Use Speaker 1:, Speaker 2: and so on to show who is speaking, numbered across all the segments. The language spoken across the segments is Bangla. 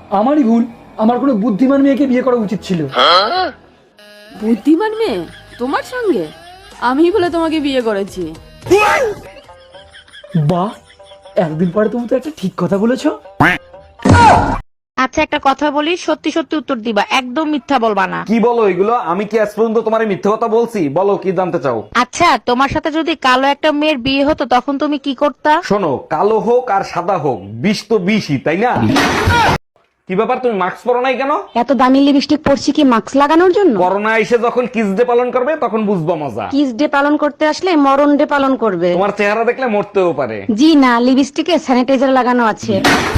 Speaker 1: আমারই ভুল, আমার কোনো বুদ্ধিমান মেয়েকে বিয়ে করা উচিত ছিল।
Speaker 2: বুদ্ধিমান মেয়ে তোমার সঙ্গে? আমি বলে তোমাকে বিয়ে করেছি।
Speaker 1: বাহ, একদিন পরে তুমি তো একটা ঠিক কথা বলেছো।
Speaker 3: আচ্ছা একটা কথা বলি, সত্যি সত্যি উত্তর দিবা, একদম মিথ্যা বলবা না।
Speaker 4: কি বলো এগুলো? আমি কি আজ পর্যন্ত তোমার মিথ্যে কথা বলছি? বলো কি জানতে চাও।
Speaker 3: আচ্ছা তোমার সাথে যদি কালো একটা মেয়ের বিয়ে হতো তখন তুমি কি করতা?
Speaker 4: শোনো, কালো হোক আর সাদা হোক, বিষ তো বিষই, তাই না? কি ব্যাপার, তুমি মাস্ক পরো নাই কেন?
Speaker 3: এত দামি লিপস্টিক পরছি কি মাস্ক লাগানোর জন্য?
Speaker 4: করোনা এসে যখন কিস ডে পালন করবে তখন বুঝবো মজা।
Speaker 3: কিস ডে পালন করতে আসলে মরণ ডে পালন করবে।
Speaker 4: তোমার চেহারা দেখলে মরতেও পারে।
Speaker 3: জি না, লিপস্টিকে স্যানিটাইজার লাগানো আছে।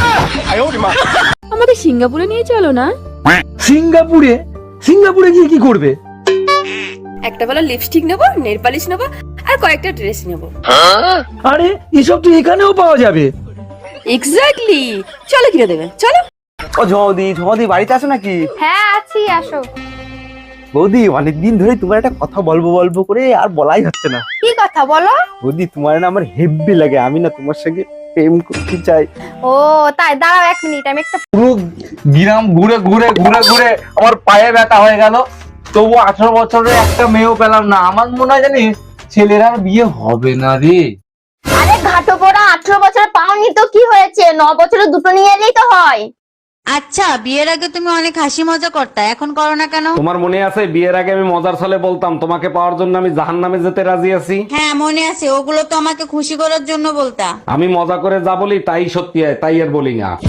Speaker 2: আমাকে সিঙ্গাপুরে নিয়ে চলো না।
Speaker 1: সিঙ্গাপুরে? সিঙ্গাপুরে গিয়ে কি করবে?
Speaker 2: একটা ভালো লিপস্টিক নেবো, নেল পালিশ নেবো, আর কয়েকটা ড্রেস নেবো।
Speaker 1: আরে এসব তো এখানেও পাওয়া যাবে।
Speaker 2: এক্স্যাক্টলি, চলো কিনে দেবে, চলো।
Speaker 5: ও ঝদি বাড়িতে আছো নাকি?
Speaker 6: হ্যাঁ আছি, আসো।
Speaker 5: বৌদি অনেকদিন ধরে তোমার একটা কথা বলবো করে আর বলাই হচ্ছে না।
Speaker 6: কি কথা বলো?
Speaker 5: বৌদি তোমার না আমার হেব্বি লাগে, আমি না তোমার সঙ্গে প্রেম করতে চাই।
Speaker 6: ও তাই, দাঁড়াও 1 মিনিট, আমি একটা
Speaker 4: পুরো গ্রাম ঘুরে ঘুরে ঘুরে ঘুরে আমার পায়ে ব্যথা হয়ে গেল, তবু 18 বছরের একটা মেয়েও পেলাম না। আমার মনে হয় জানিস ছেলের আর বিয়ে হবে না রে।
Speaker 6: আরে ঘাটো পড়া 18 বছর পাওনি তো কি হয়েছে, 9 বছরে দুটো নিয়ে এলেই তো হয়।
Speaker 3: আচ্ছা বিয়ের আগে তুমি অনেক হাসি মজা করতা, এখন করো না কেন?
Speaker 4: তোমার মনে আছে বিয়ের আগে আমি মজার ছলে বলতাম তোমাকে পাওয়ার জন্য আমি জাহান্নামে যেতে রাজি আছি?
Speaker 3: হ্যাঁ মনে আছে, ওগুলো তো আমাকে খুশি করার জন্য বলতা।
Speaker 4: আমি মজা করে যা বলি তাই সত্যি হয়, তাই আর বলি না।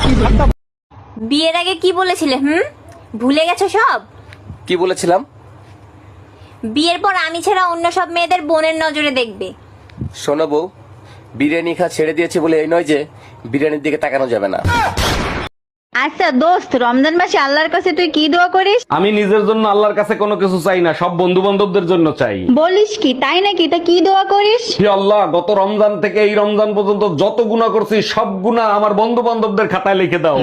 Speaker 6: বিয়ের আগে কি বলেছিলে? ভুলে গেছো সব?
Speaker 7: কি বলেছিলাম?
Speaker 6: বিয়ের পর আমি ছাড়া অন্য সব মেয়েদের বোনের নজরে দেখবে।
Speaker 7: শোনো বউ, বিরিয়ানি খা ছেড়ে দিয়েছি বলে এই নয় যে বিরিয়ানির দিকে তাকানো যাবে না।
Speaker 3: আচ্ছা দোস্ত, রমজান মাসে আল্লাহর কাছে তুই কি দোয়া করিস?
Speaker 4: আমি নিজের জন্য আল্লাহর কাছে কোনো কিছু চাই না, সব বন্ধু বান্ধবদের জন্য চাই।
Speaker 3: বলিস কি, তাই নাকি? তা কি দোয়া করিস?
Speaker 4: হে আল্লাহ, গত রমজান থেকে এই রমজান পর্যন্ত যত গুনাহ করছি সব গুনাহ আমার বন্ধু বান্ধবদের খাতায় লিখে দাও।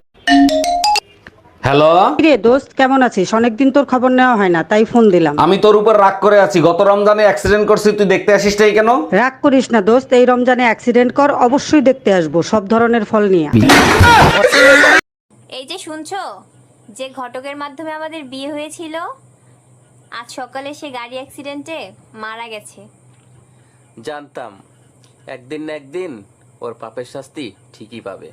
Speaker 4: হ্যালো,
Speaker 8: রে দোস্ত, কেমন আছিস? অনেকদিন তোর খবর নেওয়া হয় না, তাই ফোন দিলাম।
Speaker 4: আমি তোর উপর রাগ করে আছি, গত রমজানে অ্যাক্সিডেন্ট করছি, তুই দেখতে আসিস নাই কেন?
Speaker 8: রাগ করিস না দোস্ত, এই রমজানে অ্যাক্সিডেন্ট কর, অবশ্যই দেখতে আসবো, সব ধরনের ফল নিয়ে।
Speaker 6: এই যে শুনছো, যে ঘটকের মাধ্যমে আমাদের বিয়ে হয়েছিল, আজ সকালে সে গাড়ি অ্যাক্সিডেন্টে মারা গেছে।
Speaker 7: জানতাম একদিন না একদিন ওর পাপের শাস্তি ঠিকই পাবে।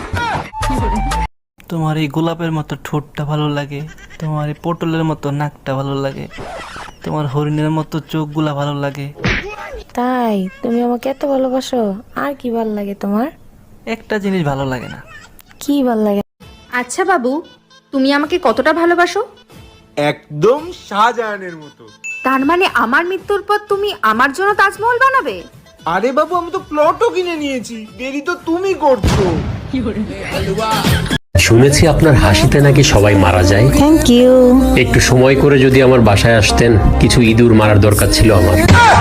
Speaker 9: তোমার এই গোলাপের মতো ঠোঁটটা ভালো লাগে, তোমার এই পটলের মতো নাকটা ভালো লাগে, তোমার হরিণের মতো চোখগুলা ভালো লাগে।
Speaker 10: তাই তুমি আমাকে এত ভালোবাসো? আর কি ভাল লাগে তোমার?
Speaker 9: একটা জিনিস ভালো লাগে না।
Speaker 10: কি ভাল লাগে?
Speaker 6: আচ্ছা বাবু, তুমি আমাকে কতটা ভালোবাসো?
Speaker 5: একদম শাহজাহানের মতো।
Speaker 6: তার মানে আমার মৃত্যুর পর তুমি আমার জন্য তাজমহল বানাবে?
Speaker 5: আরে বাবু, আমি তো প্লটও কিনে নিয়েছি, দেরি তো তুমি করছো।
Speaker 11: শুনেছি আপনার হাসিতে নাকি সবাই মারা যায়।
Speaker 10: Thank you.
Speaker 11: একটু সময় করে যদি আমার বাসায় আসতেন, কিছু ইঁদুর মারার দরকার ছিল আমার।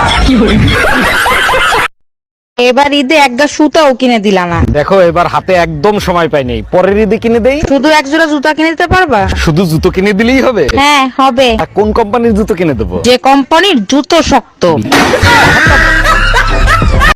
Speaker 3: এবার ঈদে একটা সুতাও কিনে দিলা না।
Speaker 4: দেখো এবার হাতে একদম সময় পাই নেই, পরের ঈদে কিনে দেই।
Speaker 3: শুধু এক জোড়া জুতা কিনে দিতে পারবা?
Speaker 4: শুধু জুতো কিনে দিলেই হবে?
Speaker 3: হ্যাঁ হবে।
Speaker 4: কোন কোম্পানির জুতো কিনে দেবো?
Speaker 3: যে কোম্পানির জুতো শক্ত।